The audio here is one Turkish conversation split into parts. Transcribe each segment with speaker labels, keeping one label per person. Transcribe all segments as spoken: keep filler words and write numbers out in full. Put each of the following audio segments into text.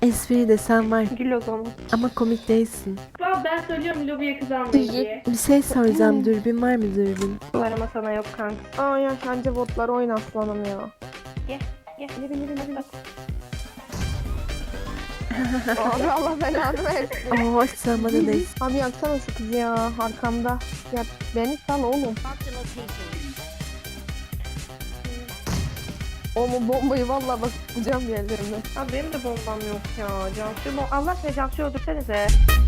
Speaker 1: Espri de sen var
Speaker 2: Gül o zaman.
Speaker 1: ama komik değilsin.
Speaker 2: Valla ben söylüyorum lobiye kız almayın diye.
Speaker 1: Bir şey soracağım, dürbün var mı dürbün?
Speaker 2: Var ama sana yok kanka.
Speaker 3: Aa ya bence botlar oyun aslanım ya.
Speaker 2: Gel gel.
Speaker 3: Yürü yürü yürü. Abi Allah belanı versin.
Speaker 1: Oo, sen bana değil.
Speaker 3: Abi yaksana şu kızı ya arkamda. Ya beni sal oğlum. Oğlum bombayı vallahi bak tutacağım yerlerine.
Speaker 2: Abi benim de bombam yok ya. Cansu bom Allah aşkına Cansu'yu öldürsenize.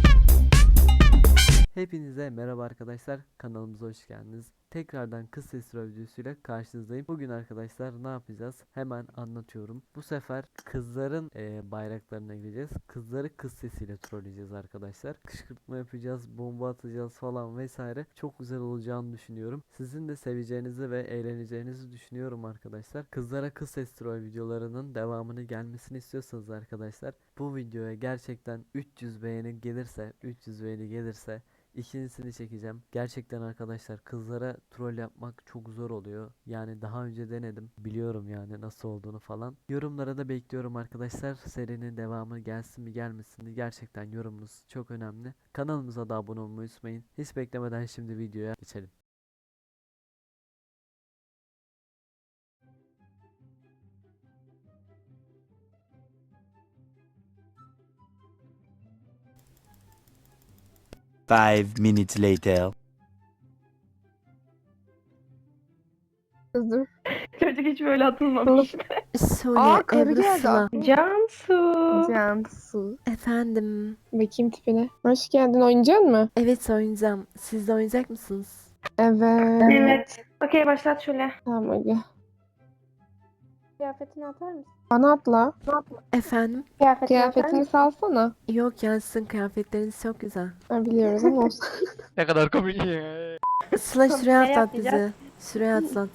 Speaker 4: Hepinize merhaba arkadaşlar, kanalımıza hoş geldiniz. Tekrardan kız sesi videosuyla karşınızdayım. Bugün arkadaşlar ne yapacağız? Hemen anlatıyorum. Bu sefer kızların e, bayraklarına gireceğiz. Kızları kız sesiyle trolleyeceğiz arkadaşlar. Kışkırtma yapacağız, bomba atacağız falan vesaire. Çok güzel olacağını düşünüyorum. Sizin de seveceğinizi ve eğleneceğinizi düşünüyorum arkadaşlar. Kızlara kız ses troll videolarının devamını gelmesini istiyorsanız arkadaşlar, bu videoya gerçekten üç yüz beğeni gelirse, üç yüz beğeni gelirse İkincisini çekeceğim. Gerçekten arkadaşlar kızlara troll yapmak çok zor oluyor. Yani daha önce denedim. Biliyorum yani nasıl olduğunu falan. Yorumlara da bekliyorum arkadaşlar. Serinin devamı gelsin mi gelmesin mi? Gerçekten yorumunuz çok önemli. Kanalımıza da abone olmayı unutmayın. Hiç beklemeden şimdi videoya geçelim.
Speaker 5: Five minutes later.
Speaker 3: Kız dur.
Speaker 2: Çocuk hiç böyle atılmamış.
Speaker 1: Söyle
Speaker 3: Aa karı
Speaker 1: Ebru
Speaker 3: geldi.
Speaker 1: Sıla.
Speaker 2: Cansu.
Speaker 3: Cansu.
Speaker 1: Efendim.
Speaker 3: Bakayım tipine. Hoş geldin oynayacak mı?
Speaker 1: Evet, oynayacağım. Siz de oynayacak mısınız?
Speaker 3: Evet.
Speaker 2: Evet. Okey başlat şöyle.
Speaker 3: Tamam hadi.
Speaker 2: Kıyafetini atar mısın?
Speaker 3: Bana atla.
Speaker 1: Efendim?
Speaker 2: Kıyafetini,
Speaker 3: Kıyafetini salsana.
Speaker 1: Yok ya, sizin kıyafetleriniz çok güzel.
Speaker 3: Ha, biliyoruz ama olsun.
Speaker 4: Ne kadar komik ya.
Speaker 1: Sıla şuraya
Speaker 2: Ne
Speaker 1: atlat bizi.
Speaker 2: yapacağız?
Speaker 1: Şuraya atlat.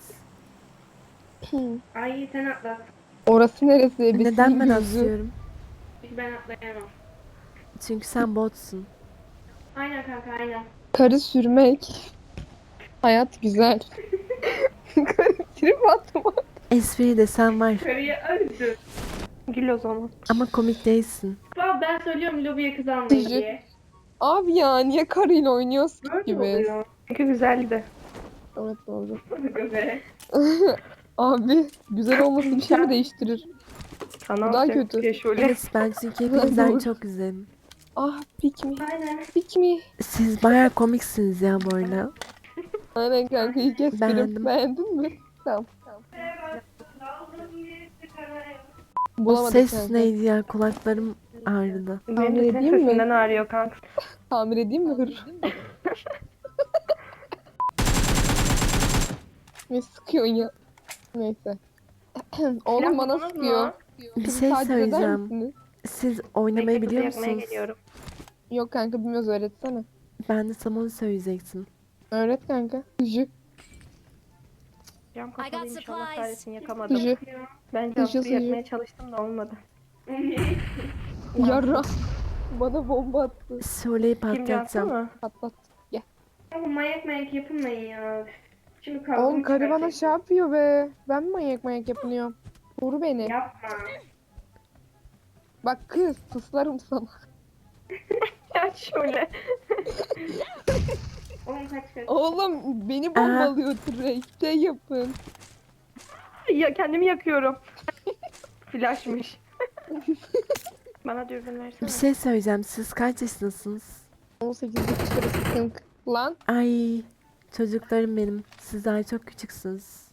Speaker 2: Ay sen atlat.
Speaker 3: Orası neresi? Bir
Speaker 1: Neden ben
Speaker 3: gözü.
Speaker 1: atlıyorum?
Speaker 2: Çünkü ben atlayamam.
Speaker 1: Çünkü sen botsun.
Speaker 2: Aynen kanka aynen.
Speaker 3: Karı sürmek. Hayat güzel. Karı trip atma.
Speaker 1: Espri de sen var
Speaker 2: Karıyı öldür. Gül o zaman.
Speaker 1: ama komik değilsin.
Speaker 2: Valla ben söylüyorum lobiye kız almayın
Speaker 3: Çocuk.
Speaker 2: diye.
Speaker 3: Abi ya niye karıyla oynuyorsun
Speaker 2: Böyle
Speaker 3: gibi?
Speaker 2: oluyor. Çünkü güzeldi.
Speaker 3: Evet doğru.
Speaker 2: Göbere.
Speaker 3: Abi güzel olması bir şey mi değiştirir?
Speaker 2: Sana
Speaker 3: Bu daha
Speaker 2: olacak
Speaker 3: kötü.
Speaker 2: diye şöyle.
Speaker 1: Evet, ben çünkü hepinizden
Speaker 3: Doğru.
Speaker 1: çok güzelim.
Speaker 3: Ah pick me.
Speaker 2: Aynen.
Speaker 3: Pick me.
Speaker 1: Siz bayağı komiksiniz ya bu arada.
Speaker 3: Aynen kanka iyi kestim.
Speaker 1: Beğendim.
Speaker 3: Beğendin mi? Tamam. tamam.
Speaker 1: O
Speaker 3: Bulamadık
Speaker 1: ses
Speaker 3: kanka.
Speaker 1: neydi ya, kulaklarım ağrıdı.
Speaker 2: Benim
Speaker 3: Tahmin
Speaker 2: de senin
Speaker 3: edeyim mi?
Speaker 2: sesinden ağrıyor kanka.
Speaker 3: Tamir edeyim mi hır? Ne sıkıyorsun ya? Neyse. Oğlum
Speaker 2: Silah
Speaker 3: bana
Speaker 2: buldunuz
Speaker 3: sıkıyor.
Speaker 2: mu?
Speaker 1: Bir
Speaker 3: Kızı
Speaker 1: şey
Speaker 3: takip eder
Speaker 1: söyleyeceğim.
Speaker 3: misiniz?
Speaker 1: Siz oynamayı
Speaker 2: Bekle,
Speaker 1: biliyor
Speaker 2: kızı yakmaya
Speaker 1: musunuz?
Speaker 2: geliyorum.
Speaker 3: Yok kanka bilmiyoruz öğretsene.
Speaker 1: Ben de sana onu söyleyecektim.
Speaker 3: Öğret kanka. Gücü.
Speaker 2: Cam
Speaker 6: got
Speaker 2: kapalıymış Allah
Speaker 6: supplies.
Speaker 2: kahretsin yakamadım.
Speaker 3: Gücü.
Speaker 2: Ben
Speaker 3: Sıcı,
Speaker 2: Cansu'yu
Speaker 3: sıcı.
Speaker 2: yakmaya çalıştım da olmadı.
Speaker 3: Yarra. Bana bomba attı.
Speaker 1: Söyleyip
Speaker 2: Kim Cansu
Speaker 1: patlatacağım.
Speaker 2: mu?
Speaker 3: Patlat.
Speaker 2: Ama manyak manyak yapılmayın ya. Şimdi kavga
Speaker 3: Oğlum
Speaker 2: mı
Speaker 3: karı bana
Speaker 2: çıkaracak?
Speaker 3: şey yapıyor be. Ben mi manyak manyak yapınıyorum? Vur beni.
Speaker 2: Yapma.
Speaker 3: Bak kız tıslarım sana.
Speaker 2: Ya şöyle. Oğlum kaç kaç.
Speaker 3: Oğlum beni bombalıyor Trey. Şey yapın.
Speaker 2: Ya kendimi yakıyorum. Flashmış. Bana dürbün versene.
Speaker 1: Bir şey söyleyeceğim. Siz kaç yaşındasınız?
Speaker 3: on sekizde çıkarı sıkıntı. Lan
Speaker 1: Ay, çocuklarım benim. Siz daha çok küçüksünüz.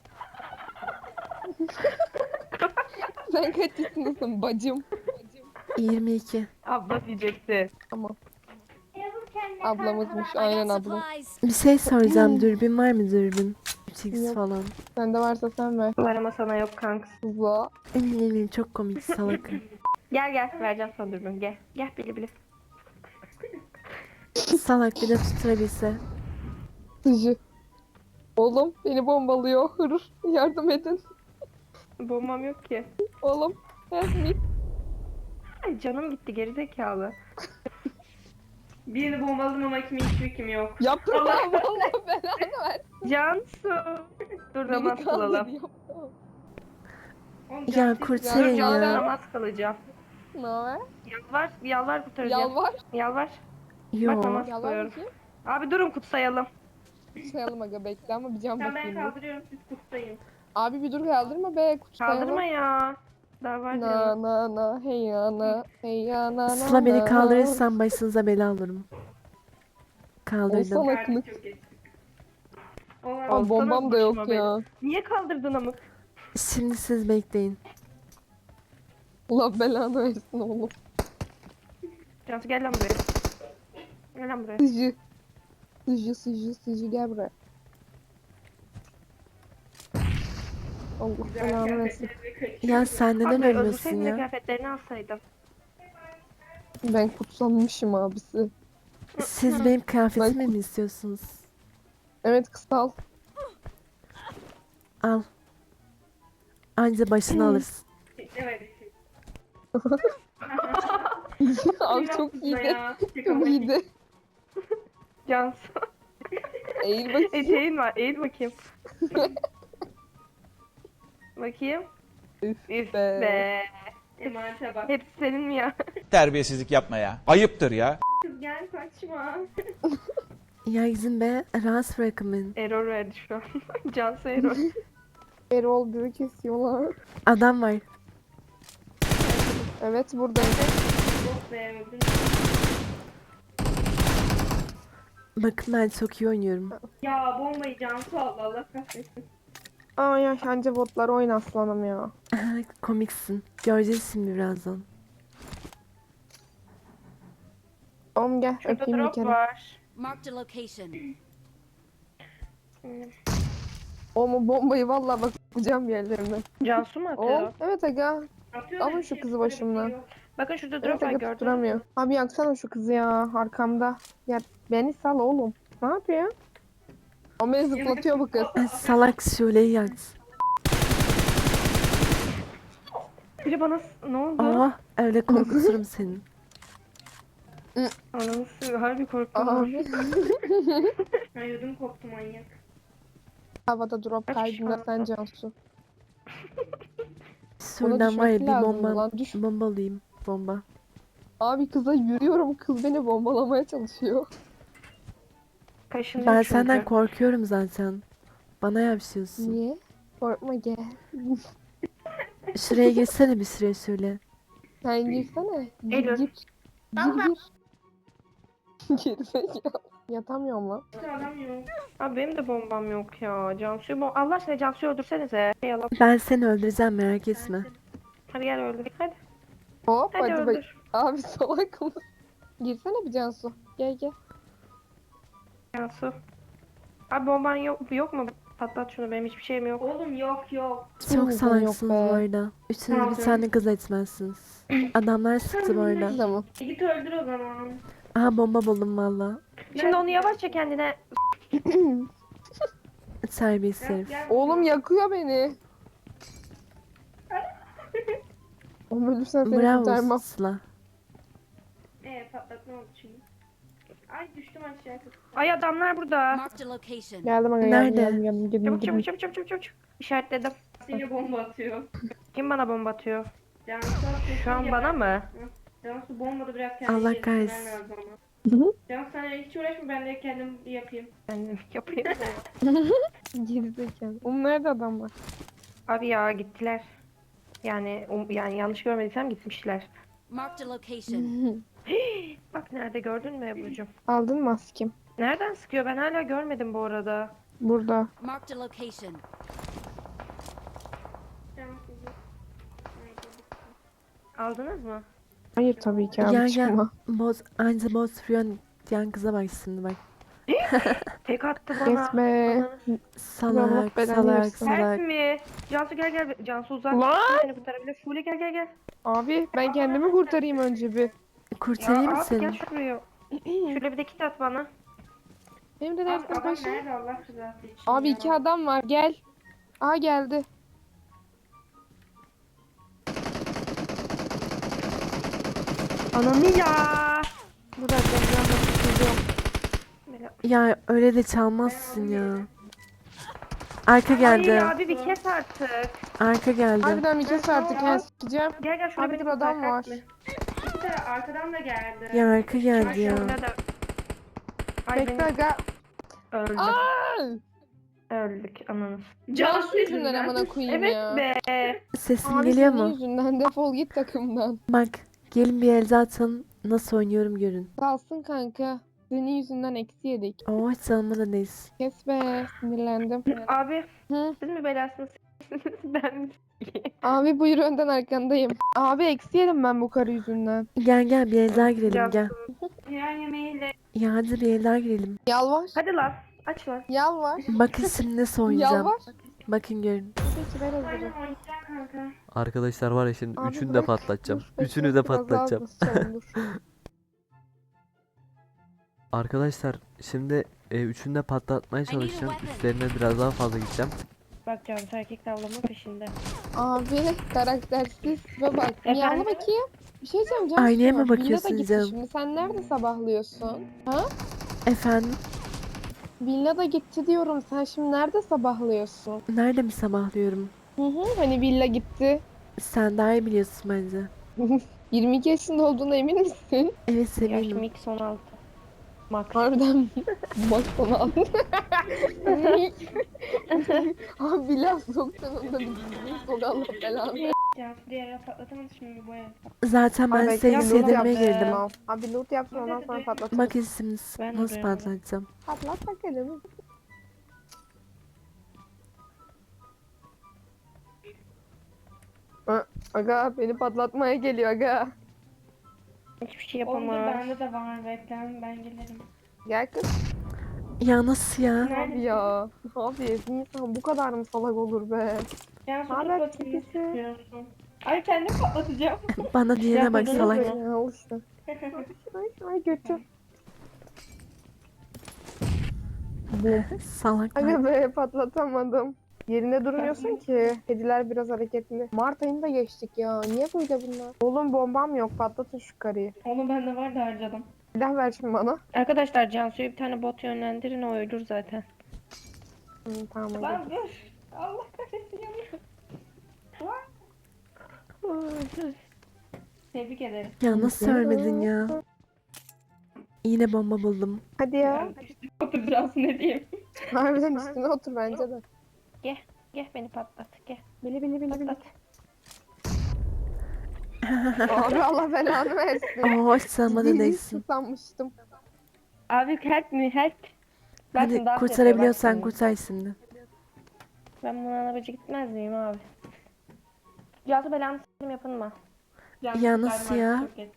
Speaker 3: sen kaç yaşındasın bacım?
Speaker 1: yirmi iki.
Speaker 2: Abla diyecekti.
Speaker 3: Tamam. Ablamızmış
Speaker 6: I
Speaker 3: aynen
Speaker 6: got
Speaker 3: ablam.
Speaker 6: supplies.
Speaker 1: Bir şey soracağım. Dürbün var mı dürbün? üç x
Speaker 3: Yok.
Speaker 1: falan.
Speaker 3: Sende varsa sen ver.
Speaker 2: Var ama sana yok kanka.
Speaker 3: Kızla.
Speaker 1: Emin eminim çok komik salak.
Speaker 2: Gel gel vereceğim sana dürbün gel. Gel bili bili.
Speaker 1: Salak bir de tutturabilse.
Speaker 3: Sıcı. Oğlum beni bombalıyor. Hır. Yardım edin.
Speaker 2: Bombam yok ki.
Speaker 3: Oğlum. Help me.
Speaker 2: Ay canım gitti gerizekalı. Birini bombaladım ama kimin hiçbir kim yok.
Speaker 3: Yapma
Speaker 2: Allah
Speaker 3: Allah belanı ver.
Speaker 2: Cansu. Dur namaz
Speaker 3: Beni
Speaker 2: kılalım.
Speaker 3: kandırıyor.
Speaker 2: Oğlum,
Speaker 1: Ya
Speaker 2: Cansu-
Speaker 1: kurtarın
Speaker 2: Dur, Cansu
Speaker 1: ya.
Speaker 2: namaz kılacağım.
Speaker 3: Ne haber?
Speaker 2: Yalvar, yalvar kurtaracağım.
Speaker 3: Yalvar.
Speaker 2: Yalvar.
Speaker 1: Yo.
Speaker 2: Bak namaz
Speaker 3: Yalvar
Speaker 2: kılıyorum.
Speaker 3: bakayım.
Speaker 2: Abi durun kutsayalım.
Speaker 3: Sayalım aga bekle ama bir can
Speaker 2: Sen ben
Speaker 3: bakayım. bir.
Speaker 2: kaldırıyorum siz kutsayın.
Speaker 3: Abi bir dur kaldırma be kutsayalım.
Speaker 2: Kaldırma ya. Daha var
Speaker 3: Na
Speaker 2: canım.
Speaker 3: na na hey ya na hey ya na na
Speaker 1: Sıla beni
Speaker 3: na.
Speaker 1: kaldırırsan başınıza bela alırım. Kaldırdım.
Speaker 3: Olsana kılık.
Speaker 2: Olmaz,
Speaker 3: Abi bombam
Speaker 2: sana
Speaker 3: da yok
Speaker 2: başıma
Speaker 3: ya.
Speaker 2: bela. Niye kaldırdın amık?
Speaker 1: Şimdi siz bekleyin.
Speaker 3: Allah belanı versin oğlum.
Speaker 2: Cansu gel lan buraya. Gel lan buraya.
Speaker 3: Sıcı. Sıcı sıcı sıcı gel buraya. Allah belanı versin.
Speaker 1: Ya sen neden
Speaker 2: Abi
Speaker 1: ölmüyorsun
Speaker 2: öldürseydin de
Speaker 1: ya?
Speaker 2: kıyafetlerini alsaydım.
Speaker 3: Ben kutsanmışım abisi.
Speaker 1: Siz benim kıyafetimi mi istiyorsunuz?
Speaker 3: Evet kısal.
Speaker 1: Al. Anca başını alırsın.
Speaker 2: Evet.
Speaker 3: Abi çok iyiydi. Çok iyiydi.
Speaker 2: Cansu.
Speaker 3: Eğil bakayım.
Speaker 2: Eteğin var. Eğil bakayım. Bakayım.
Speaker 3: Üf
Speaker 2: Üf
Speaker 3: be.
Speaker 2: be. Emanete bak. Hepsi senin mi ya?
Speaker 6: Terbiyesizlik yapma ya. Ayıptır ya.
Speaker 2: Kız gel kaçma.
Speaker 1: Ya izin be. Rahatsız bırakın beni.
Speaker 2: Error verdi şu an. Cansu error.
Speaker 3: Erol bizi kesiyorlar.
Speaker 1: Adam var.
Speaker 3: Evet buradayım.
Speaker 2: Oh be öldün.
Speaker 1: Bakın ben çok iyi oynuyorum.
Speaker 2: Ya bombayı Cansu aldı Allah kahretsin.
Speaker 3: Ay ya anca botlar oyun aslanım ya.
Speaker 1: Komiksin. Göreceğiz şimdi birazdan.
Speaker 3: Oğlum gel
Speaker 2: Şurada
Speaker 3: öpeyim bir
Speaker 2: drop
Speaker 3: kere.
Speaker 2: var.
Speaker 7: Marked a location.
Speaker 3: Oğlum o bombayı vallahi bakacağım yerlerine.
Speaker 2: Cansu mu atıyor?
Speaker 3: Oğlum evet aga.
Speaker 2: Atıyor
Speaker 3: alın
Speaker 2: da bir
Speaker 3: şu
Speaker 2: şey
Speaker 3: kızı
Speaker 2: böyle
Speaker 3: başımdan.
Speaker 2: bir şey yok. Bakın şurada
Speaker 3: Evet
Speaker 2: drop var
Speaker 3: aga
Speaker 2: gördün mü?
Speaker 3: tutturamıyor. Abi yaksana şu kızı ya arkamda. Ya beni sal oğlum. Ne yapıyor? O beni zıplatıyor bu kız.
Speaker 1: E, salak Şule'yi yaktı.
Speaker 2: Biri bana s- ne oldu?
Speaker 1: Aa öyle korkuturum seni.
Speaker 2: Ananı s- harbi korktum.
Speaker 3: Abi.
Speaker 2: Ay ödüm koptu manyak.
Speaker 3: Havada drop
Speaker 2: Kaç
Speaker 3: kaydında
Speaker 2: kişi
Speaker 3: sen
Speaker 2: var?
Speaker 3: Cansu.
Speaker 1: Şuradan var ya
Speaker 3: düşmesi
Speaker 1: bir
Speaker 3: lazım
Speaker 1: bomba,
Speaker 3: lan, düş.
Speaker 1: bomba alayım. Bomba.
Speaker 3: Abi kıza yürüyorum kız beni bombalamaya çalışıyor.
Speaker 2: Kaşınıyor
Speaker 1: Ben
Speaker 2: çünkü.
Speaker 1: senden korkuyorum zaten. Bana yapışıyorsun.
Speaker 3: Niye? Korkma gel.
Speaker 1: Şuraya geçsene bir süre şöyle.
Speaker 3: Sen girsene. Gir
Speaker 2: Eylül.
Speaker 3: gir. Gir gir. Gerizekalı. Yatamıyorum lan.
Speaker 2: Adam yok. Abi benim de bombam yok ya. Cansu'yu bom... Allah aşkına Cansu'yu öldürsenize. Yalan.
Speaker 1: Ben seni öldüreceğim merak etme.
Speaker 2: Hadi gel öldür. Hadi.
Speaker 3: Hop
Speaker 2: Hadi,
Speaker 3: hadi, bak.
Speaker 2: öldür.
Speaker 3: Abi salak mı? Girsene bir Cansu. Gel gel.
Speaker 2: Cansu. Abi bomban yok, yok mu? Patlat şunu benim hiçbir şeyim yok. Oğlum yok yok.
Speaker 1: Çok
Speaker 3: Kimimizin yok
Speaker 1: salaksınız
Speaker 3: be.
Speaker 1: bu arada. Üçünüz bir
Speaker 2: Tamam.
Speaker 1: tane kız etmezsiniz. Adamlar sıktı bu arada.
Speaker 3: Tamam.
Speaker 2: Git öldür o zaman.
Speaker 1: Aha bomba buldum valla.
Speaker 2: Şimdi onu yavaşça kendine...
Speaker 1: Terbiyesiz herif.
Speaker 3: Oğlum yakıyor beni. Oğlum ölürsen seni
Speaker 1: Bravo
Speaker 3: kurtarmam.
Speaker 1: Sıla.
Speaker 2: Eee patlat ne oldu şimdi? Ay düştüm aşağıya. Ay adamlar burada.
Speaker 7: Marked a location.
Speaker 3: Geldim aga
Speaker 1: Nerede?
Speaker 3: geldim geldim geldim
Speaker 2: Çabuk
Speaker 3: geldim.
Speaker 2: çabuk çabuk çabuk çabuk. çabuk. İşaretledim.
Speaker 8: Yine bomba atıyor.
Speaker 2: Kim bana bomba atıyor?
Speaker 8: Cansu
Speaker 2: Şu an bana mı?
Speaker 8: Cansu bombada biraz kendini
Speaker 1: Allah
Speaker 8: geliştirmen
Speaker 1: kahretsin.
Speaker 8: lazım ama.
Speaker 3: Hı hı.
Speaker 8: Cansu sen hiç uğraşma ben de kendim yapayım.
Speaker 2: Ben yapayım.
Speaker 3: Gerizekalı. Oğlum nerede adam var?
Speaker 2: Abi ya gittiler. Yani um, yani yanlış görmediysem gitmişler.
Speaker 7: Marked a location.
Speaker 2: Bak nerede gördün mü Ebru'cum?
Speaker 3: Aldın mı askim?
Speaker 2: Nereden sıkıyor? Ben hala görmedim bu arada.
Speaker 3: Burada.
Speaker 7: Marked a location.
Speaker 2: Aldınız mı?
Speaker 3: Hayır tabii ki abi
Speaker 1: Ya ya
Speaker 3: çıkma.
Speaker 1: boz anca boz Frion diyen kıza bak şimdi bak.
Speaker 2: Tek attı bana.
Speaker 3: Kesme.
Speaker 1: Salak
Speaker 3: belanı
Speaker 1: salak
Speaker 3: versin.
Speaker 2: Ters
Speaker 1: salak.
Speaker 2: mi? Cansu gel gel. Cansu uzak.
Speaker 3: Lan!
Speaker 2: Seni kurtarabilir. Şule gel gel gel.
Speaker 3: Abi ben kendimi kurtarayım önce bir.
Speaker 1: Kurtarayım mı
Speaker 2: abi
Speaker 1: seni?
Speaker 2: gel şuraya. Şöyle bir de kit at bana.
Speaker 3: Benim de
Speaker 8: Abi
Speaker 3: dersim
Speaker 8: adam
Speaker 3: başı.
Speaker 8: nerede Allah rızası için
Speaker 3: Abi
Speaker 8: ya?
Speaker 3: iki adam var gel. Aa geldi.
Speaker 2: Ananı ya.
Speaker 3: Bir dakika ben de tutacağım.
Speaker 2: Böyle-
Speaker 1: Ya öyle de çalmazsın ya. Arka geldi.
Speaker 2: Hayır abi bir kes artık.
Speaker 1: Arka geldi.
Speaker 3: Harbiden bir kes artık ya sikeceğim.
Speaker 2: Gel gel şurada
Speaker 3: Abi
Speaker 2: beni
Speaker 3: dur adam
Speaker 2: kurtar,
Speaker 3: var.
Speaker 2: kaçma.
Speaker 8: Bir de arkadan da geldi.
Speaker 1: Ya arka geldi ya.
Speaker 2: Şurada da- Ay
Speaker 3: Bekle
Speaker 2: beni
Speaker 3: aga.
Speaker 2: öldük.
Speaker 3: Aa!
Speaker 2: Öldük ananız.
Speaker 3: Cansu yüzünden amına koyayım
Speaker 2: Evet
Speaker 3: ya.
Speaker 2: be.
Speaker 1: Sesim
Speaker 3: Abi
Speaker 1: geliyor
Speaker 3: senin
Speaker 1: mu?
Speaker 3: yüzünden defol git takımdan.
Speaker 1: Bak gelin bir el zaten nasıl oynuyorum görün.
Speaker 3: Kalsın kanka. Senin yüzünden eksi yedik.
Speaker 1: Oo hiç salmadınız.
Speaker 3: Kes be sinirlendim.
Speaker 2: Abi
Speaker 3: Hı?
Speaker 2: siz mi belasınız? Ben mi?
Speaker 3: Abi buyur önden arkandayım. Abi eksi yedim ben bu karı yüzünden.
Speaker 1: Gel gel bir el daha girelim
Speaker 2: Gel.
Speaker 1: gel.
Speaker 8: Yer yemeğiyle.
Speaker 1: Ya hadi bir el daha girelim.
Speaker 3: Yalvar.
Speaker 2: Hadi lan aç lan.
Speaker 3: Yalvar.
Speaker 1: Bakın şimdi nasıl oynayacağım.
Speaker 3: Yalvar.
Speaker 1: Bakın görün.
Speaker 3: Peki ver hazırım.
Speaker 8: Aynen oynayacak kanka.
Speaker 4: Arkadaşlar var ya şimdi
Speaker 3: Abi
Speaker 4: üçünü de
Speaker 3: bırak.
Speaker 4: patlatacağım.
Speaker 3: Dur,
Speaker 4: Üçünü
Speaker 3: bekle,
Speaker 4: de
Speaker 3: biraz daha
Speaker 4: patlatacağım.
Speaker 3: basacağım, dur.
Speaker 4: Arkadaşlar şimdi e, üçünü de patlatmaya
Speaker 7: need a
Speaker 4: çalışacağım.
Speaker 7: weapon.
Speaker 4: Üstlerine biraz daha fazla gideceğim.
Speaker 2: Bak Cansu erkek tavlama peşinde.
Speaker 3: Abi karaktersiz ve bak
Speaker 2: Efendim?
Speaker 3: miyavla bakayım. Bir şey diyeceğim Cansu.
Speaker 1: Aynaya mı
Speaker 3: Villa da
Speaker 1: bakıyorsun
Speaker 3: gitti
Speaker 1: canım?
Speaker 3: şimdi. Sen nerede sabahlıyorsun? Ha?
Speaker 1: Efendim
Speaker 3: Villa da gitti diyorum. Sen şimdi nerede sabahlıyorsun?
Speaker 1: nerede mi sabahlıyorum?
Speaker 3: Hı hı. Hani villa gitti.
Speaker 1: Sen daha iyi biliyorsun bence.
Speaker 3: yirmi iki yaşında olduğuna emin misin?
Speaker 1: Evet
Speaker 2: Yaşım
Speaker 1: eminim.
Speaker 2: X on altı. Max.
Speaker 3: Harbiden mi? Bak sana al. Abi villa soktun onda bir düzgün sok Allah belanı.
Speaker 8: Cansu diğer yer patlatamadı şimdi bu ev.
Speaker 1: Zaten ben
Speaker 3: Abi
Speaker 1: seni
Speaker 3: bekle, loot
Speaker 1: sevdirmeye
Speaker 3: yaptım.
Speaker 1: girdim.
Speaker 3: Al. Abi loot yapsın ondan sonra patlatalım.
Speaker 1: Bak şimdi
Speaker 2: Ben de
Speaker 1: nasıl
Speaker 2: duyamadım.
Speaker 1: patlatacağım.
Speaker 3: Patlat bakalım. Ö, Aga beni patlatmaya geliyor aga.
Speaker 2: Hiçbir şey
Speaker 8: Oldu
Speaker 2: yapamaz.
Speaker 8: bende de var beklen ben gelirim.
Speaker 3: Gel kız.
Speaker 1: Ya nasıl ya?
Speaker 3: Abi ya. Abi bir insan bu kadar mı salak olur be?
Speaker 8: Cansu
Speaker 3: Haber
Speaker 8: tut bakayım nasıl
Speaker 3: çekisi.
Speaker 8: yapıyorsun. Ay kendim patlatacağım.
Speaker 1: Bana diyene bak
Speaker 2: buldunuz
Speaker 1: salak.
Speaker 2: mu?
Speaker 3: Ya al işte. Ay, ay götü. Bum.
Speaker 1: Salak.
Speaker 3: Aga be patlatamadım. Yerinde durmuyorsun ki. Kediler biraz hareketli. Mart ayında geçtik ya. Niye böyle bunlar? Oğlum bombam yok. Patlatın şu karıyı.
Speaker 8: Onun bende var da harcadım.
Speaker 3: Silah ver şimdi bana.
Speaker 2: Arkadaşlar Cansu'ya bir tane bot yönlendirin o ölür zaten.
Speaker 3: Hı, tamam hadi.
Speaker 8: Lan dur. Allah kahretsin yanıyor. Tebrik ederim.
Speaker 1: Ya nasıl ölmedin ya? Yine bomba buldum.
Speaker 3: Hadi ya.
Speaker 8: Otur Cansu ne diyeyim.
Speaker 3: Harbiden üstüne otur bence de.
Speaker 2: Gel beni patlat gel.
Speaker 3: Bili bili bili bili.
Speaker 2: Patlat.
Speaker 3: Abi Allah belanı versin.
Speaker 1: Oo hiç salmadın
Speaker 3: Dili
Speaker 1: değilsin.
Speaker 3: sanmıştım.
Speaker 2: Abi help me help. Bak
Speaker 1: Hadi
Speaker 2: şimdi dans
Speaker 1: kurtarabiliyorsan
Speaker 2: yapıyor, bak
Speaker 1: kurtar şimdi.
Speaker 2: şimdi. Ben buna arabacı gitmez miyim abi? Cansu belanı s**tim yapın mı?
Speaker 8: Cansu
Speaker 1: Ya nasıl
Speaker 8: galiba
Speaker 1: ya?
Speaker 8: çok geç.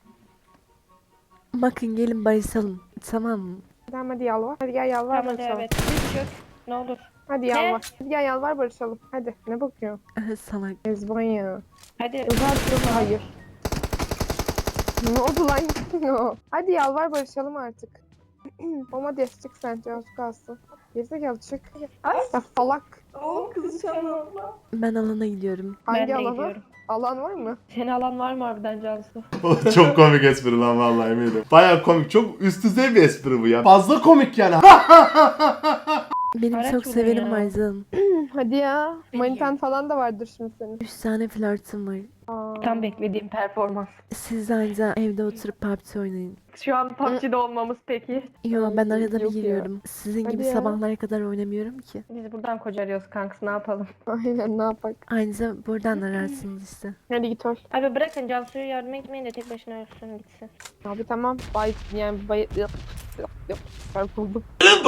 Speaker 1: Bakın gelin barışalım. Tamam mı?
Speaker 3: Tamam hadi yalvar. Hadi gel yalvar
Speaker 2: Tamam hadi
Speaker 3: barışalım.
Speaker 2: evet. Düz çök. Ne olur.
Speaker 3: Hadi yalvar. Hadi gel yalvar barışalım. Hadi ne bakıyorsun?
Speaker 1: Salak.
Speaker 3: Ezban ya.
Speaker 2: Hadi.
Speaker 3: Uzak hayır. Ne oldu lan? Hadi yalvar barışalım artık. Ama des çık sen Cansu kalsın. Gerizekalı çık.
Speaker 2: Ay.
Speaker 3: Ya salak.
Speaker 8: Oo kızışan
Speaker 1: Ben alana gidiyorum.
Speaker 2: Ben
Speaker 3: Hangi
Speaker 2: de
Speaker 3: alana?
Speaker 2: gidiyorum.
Speaker 3: Alan var mı?
Speaker 2: Seni alan var mı harbiden Cansu?
Speaker 9: Çok komik espri lan vallahi eminim. Baya komik. Çok üst düzey bir espri bu ya. Fazla komik yani.
Speaker 1: Benim
Speaker 2: Araç
Speaker 1: çok
Speaker 2: bulun
Speaker 1: sevenim
Speaker 2: ya.
Speaker 1: var canım.
Speaker 3: Hadi ya. Manitan falan da vardır şimdi senin.
Speaker 1: Üç tane flörtüm var.
Speaker 3: Aa.
Speaker 2: Tam beklediğim performans.
Speaker 1: Siz anca evde oturup P U B G oynayın.
Speaker 2: Şu an P U B G'de olmamız peki.
Speaker 1: Yo ben arada bir
Speaker 3: Yok ya.
Speaker 1: giriyorum. Sizin
Speaker 3: Hadi
Speaker 1: gibi
Speaker 3: ya.
Speaker 1: sabahlara kadar oynamıyorum ki.
Speaker 2: Biz buradan kocarıyoruz kanks ne yapalım?
Speaker 3: Aynen ne yapak.
Speaker 1: Ayrıca buradan ararsınız işte.
Speaker 3: Hadi git öl.
Speaker 2: Abi bırakın Cansu'ya yardım etmeyin de tek başına ölsün gitsin.
Speaker 3: Abi tamam. Bay yani bay yap yap yap. Çarpıldım.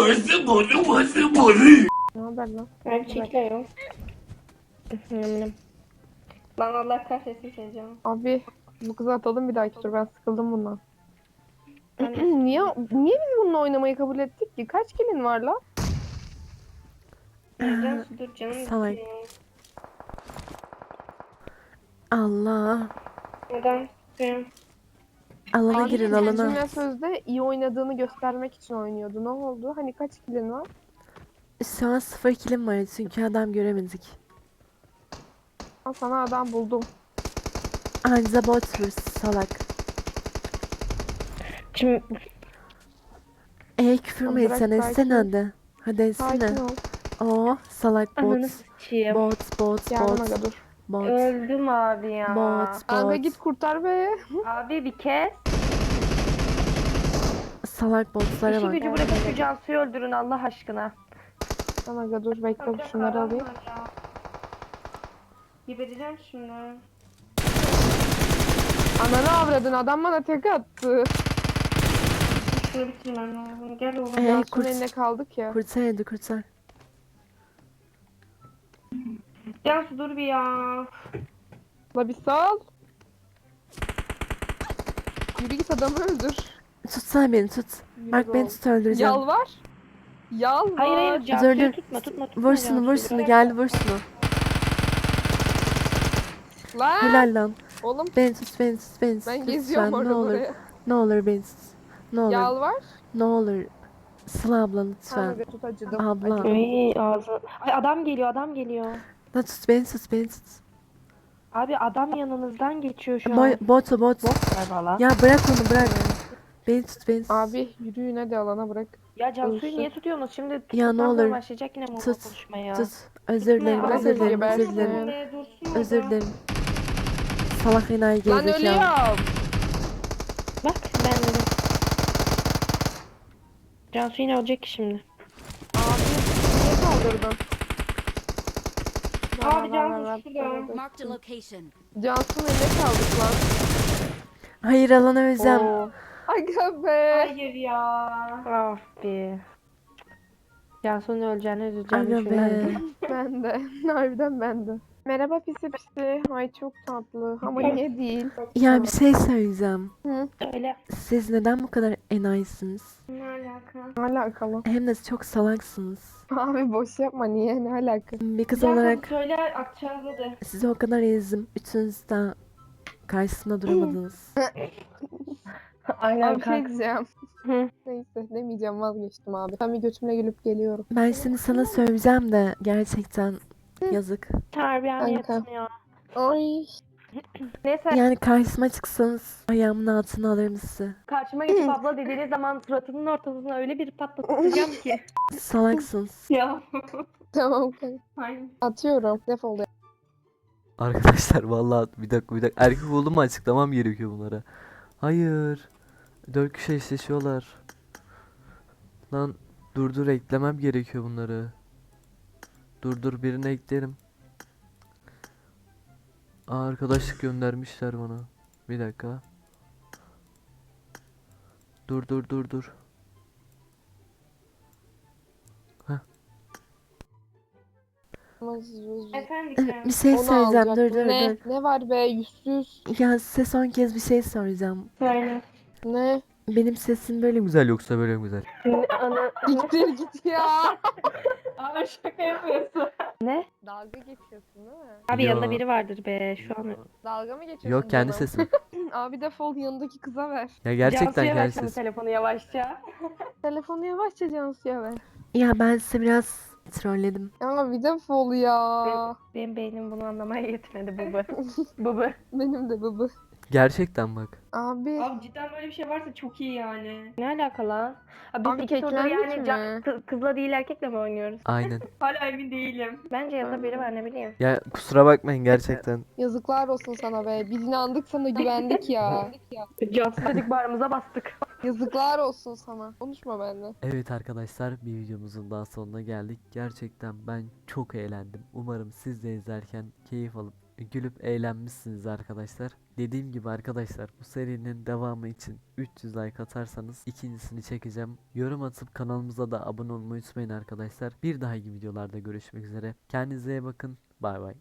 Speaker 3: Ne haber lan?
Speaker 2: Ben çekliyorum. Lan Allah kahretsin seni canım.
Speaker 3: Abi bu kızı atalım bir dahaki tur. Ben sıkıldım bundan.
Speaker 2: Ben de-
Speaker 3: niye niye biz bununla oynamayı kabul ettik ki? Kaç kilin var lan?
Speaker 2: Cansu dur canım.
Speaker 1: Salak.
Speaker 2: gitsin.
Speaker 1: Allah.
Speaker 2: Neden? Benim.
Speaker 1: Alana
Speaker 3: Abi
Speaker 1: girin
Speaker 3: Cemile
Speaker 1: alana.
Speaker 3: sözde iyi oynadığını göstermek için oynuyordu. Ne oldu? Hani kaç kilin var?
Speaker 1: Şu an sıfır kilim var çünkü adam göremedik.
Speaker 3: Al sana adam buldum.
Speaker 1: Anca bot vur salak.
Speaker 2: Şimdi
Speaker 1: E küfür mü
Speaker 3: Bırak,
Speaker 1: etsen
Speaker 3: sakin
Speaker 1: etsene
Speaker 3: ol.
Speaker 1: hadi. Hadi
Speaker 3: Sakin
Speaker 1: etsene.
Speaker 3: ol.
Speaker 1: Oh salak
Speaker 2: Ananı
Speaker 1: bot.
Speaker 2: sıçayım.
Speaker 1: Bot bot
Speaker 3: Yardım
Speaker 1: bot.
Speaker 3: aga dur.
Speaker 1: Bot.
Speaker 2: Öldüm abi ya.
Speaker 1: Bot
Speaker 3: Aga
Speaker 1: bot.
Speaker 3: git kurtar be.
Speaker 2: Abi bir kez.
Speaker 1: Salak botlara
Speaker 2: İşi
Speaker 1: bak.
Speaker 2: gücü bırakıp şu Cansu'yu öldürün Allah aşkına.
Speaker 3: Tamam aga dur bekle şunları alayım.
Speaker 2: Gebereceğim şimdi.
Speaker 3: Ananı avradın adam bana tek attı.
Speaker 2: Şunu bitirmem lazım. Gel oğlum.
Speaker 1: Ee,
Speaker 3: Cansu'nun
Speaker 1: kurt,
Speaker 3: eline kaldık ya.
Speaker 1: kurtar hadi kurtar.
Speaker 2: Cansu dur bir ya.
Speaker 3: La bir sal. Yürü git adamı öldür.
Speaker 1: Tutsana beni tut.
Speaker 3: Yürü
Speaker 1: Bak beni
Speaker 3: oğlum.
Speaker 1: tut öldüreceğim.
Speaker 3: Yalvar. Yalvar.
Speaker 2: Hayır hayır
Speaker 1: Dur,
Speaker 2: Cansu'yu
Speaker 1: dur.
Speaker 2: tutma tutma tutma.
Speaker 1: Vur şunu vur
Speaker 2: Cansu'yu.
Speaker 1: şunu geldi vur şunu.
Speaker 3: Lan.
Speaker 1: Helal lan.
Speaker 3: Oğlum
Speaker 1: Beni tut beni tut beni tut.
Speaker 3: ben
Speaker 1: lütfen,
Speaker 3: geziyorum
Speaker 1: ne
Speaker 3: orada
Speaker 1: olur.
Speaker 3: buraya.
Speaker 1: Ne olur beni tut. Ne olur.
Speaker 3: Yalvar.
Speaker 1: Ne olur. Sıla abla
Speaker 3: Tamam
Speaker 1: lütfen.
Speaker 3: aga tut acıdım.
Speaker 1: Abla.
Speaker 3: Acıdım.
Speaker 2: Ay ağzı. Ay adam geliyor adam geliyor.
Speaker 1: La tut beni tut beni tut.
Speaker 2: Abi adam yanınızdan geçiyor şu an.
Speaker 1: Boy, bot o bot.
Speaker 2: Galiba lan.
Speaker 1: Ya bırak onu bırak. Beni tut beni tut.
Speaker 3: Abi yürüyün hadi alana bırak.
Speaker 2: Ya Cansu'yu
Speaker 3: Ölsün.
Speaker 2: niye tutuyorsunuz? Şimdi
Speaker 1: Ya ne
Speaker 2: tutuktan sonra
Speaker 1: olur.
Speaker 2: başlayacak yine mola
Speaker 1: Tut.
Speaker 2: konuşmaya.
Speaker 1: Tut. Özür dilerim
Speaker 2: Bırak
Speaker 1: özür dilerim
Speaker 3: gebersin.
Speaker 1: özür dilerim.
Speaker 2: Öyle dursun
Speaker 1: Özür
Speaker 2: orada.
Speaker 1: dilerim. Salak enayi
Speaker 3: Lan
Speaker 1: gerizekalı.
Speaker 3: ölüyorum.
Speaker 2: Bak ben dedim. Cansu yine ölecek ki şimdi.
Speaker 3: Abi niye kaldırdın?
Speaker 2: Abi
Speaker 3: Ver, ver,
Speaker 2: Cansu
Speaker 3: ver,
Speaker 2: şurada.
Speaker 3: ver, ver.
Speaker 7: Marked a location.
Speaker 3: Cansu'nun eline kaldık lan.
Speaker 1: Hayır alana öleceğim.
Speaker 2: Oo.
Speaker 3: Aga be.
Speaker 2: Hayır ya. Of be. Cansu'nun öleceğini üzüleceğimi
Speaker 1: Aga be.
Speaker 2: düşünmezdim.
Speaker 3: Ben de. Harbiden ben de. Merhaba pisi pisi. Ay çok tatlı. Ama niye değil?
Speaker 1: Ya bir şey söyleyeceğim.
Speaker 2: Öyle.
Speaker 1: Siz neden bu kadar enayisiniz?
Speaker 2: Ne alaka?
Speaker 3: Ne alakalı?
Speaker 1: Hem de çok salaksınız.
Speaker 3: Abi boş yapma niye? Ne alaka?
Speaker 1: Bir kız
Speaker 2: Cansu
Speaker 1: olarak
Speaker 2: söyle akacağız hadi.
Speaker 1: sizi o kadar ezdim. Üçünüz de karşısında duramadınız.
Speaker 2: Aynen
Speaker 3: Abi bir şey diyeceğim.
Speaker 2: Hı.
Speaker 3: Neyse demeyeceğim vazgeçtim abi. Ben bir götümle gülüp geliyorum.
Speaker 1: Ben şimdi sana söyleyeceğim de gerçekten yazık.
Speaker 2: Terbiyen
Speaker 3: Kanka.
Speaker 2: yetmiyor.
Speaker 3: Ay.
Speaker 2: Neyse
Speaker 1: Yani karşıma çıksanız ayağımın altına alırım sizi.
Speaker 2: karşıma geçip abla dediğiniz zaman suratının ortasına öyle bir patlatacağım ki.
Speaker 1: Salaksınız.
Speaker 2: Ya.
Speaker 3: Tamam kanka.
Speaker 2: Aynen.
Speaker 3: Atıyorum. Defol ya.
Speaker 4: Arkadaşlar vallahi bir dakika bir dakika. Erkek olduğumu açıklamam gerekiyor bunlara. Hayır. Dört kişi eşleşiyorlar. Lan dur dur eklemem gerekiyor bunları. Dur dur birini eklerim. Aa, arkadaşlık göndermişler bana. Bir dakika. Dur dur dur dur.
Speaker 2: Efendim.
Speaker 1: Bir şey
Speaker 3: Onu
Speaker 1: söyleyeceğim. Dur
Speaker 3: alacaktım.
Speaker 1: dur
Speaker 3: ne?
Speaker 1: dur.
Speaker 3: Ne var be yüzsüz?
Speaker 1: Ya size son kez bir şey soracağım.
Speaker 2: Söyle.
Speaker 3: Ne?
Speaker 1: Benim sesim böyle mi?
Speaker 4: Güzel yoksa böyle mi güzel?
Speaker 2: Ana.
Speaker 3: Gittir git ya.
Speaker 2: Abi şaka yapıyorsun. Ne?
Speaker 3: Dalga geçiyorsun değil mi?
Speaker 2: Abi
Speaker 4: Yo.
Speaker 2: yanında biri vardır be şu an.
Speaker 3: Dalga mı geçiyorsun?
Speaker 4: Yok kendi
Speaker 3: canım?
Speaker 4: sesim.
Speaker 3: Abi defol yanındaki kıza ver.
Speaker 4: Ya gerçekten
Speaker 2: Cansu'ya
Speaker 4: kendi
Speaker 2: ver şimdi
Speaker 4: sesim.
Speaker 2: telefonu yavaşça.
Speaker 3: Telefonu yavaşça Cansu'ya ver.
Speaker 1: Ya ben size biraz trolledim.
Speaker 3: Ama bir defol ya.
Speaker 2: Benim beynim bunu anlamaya yetmedi baba. Baba.
Speaker 3: Benim de bıbı.
Speaker 4: Gerçekten bak.
Speaker 3: Abi.
Speaker 8: Abi cidden böyle bir şey varsa çok iyi yani.
Speaker 2: Ne alaka lan? Abi biz
Speaker 3: Abi
Speaker 2: iki turda
Speaker 3: keklendik
Speaker 2: yani
Speaker 3: mi?
Speaker 2: can- kı- kızla değil erkekle mi oynuyoruz?
Speaker 4: Aynen.
Speaker 8: Hala emin değilim.
Speaker 2: Bence yanında biri var ne bileyim.
Speaker 4: Ya kusura bakmayın gerçekten.
Speaker 3: Yazıklar olsun sana be. Biz inandık sana güvendik ya.
Speaker 2: Cansu dedik bağrımıza bastık.
Speaker 3: Yazıklar olsun sana. Konuşma benimle.
Speaker 4: Evet arkadaşlar bir videomuzun daha sonuna geldik. Gerçekten ben çok eğlendim. Umarım siz de izlerken keyif alıp gülüp eğlenmişsiniz arkadaşlar. Dediğim gibi arkadaşlar bu serinin devamı için üç yüz like atarsanız ikincisini çekeceğim. Yorum atıp kanalımıza da abone olmayı unutmayın arkadaşlar. Bir dahaki videolarda görüşmek üzere. Kendinize iyi bakın. Bay bay.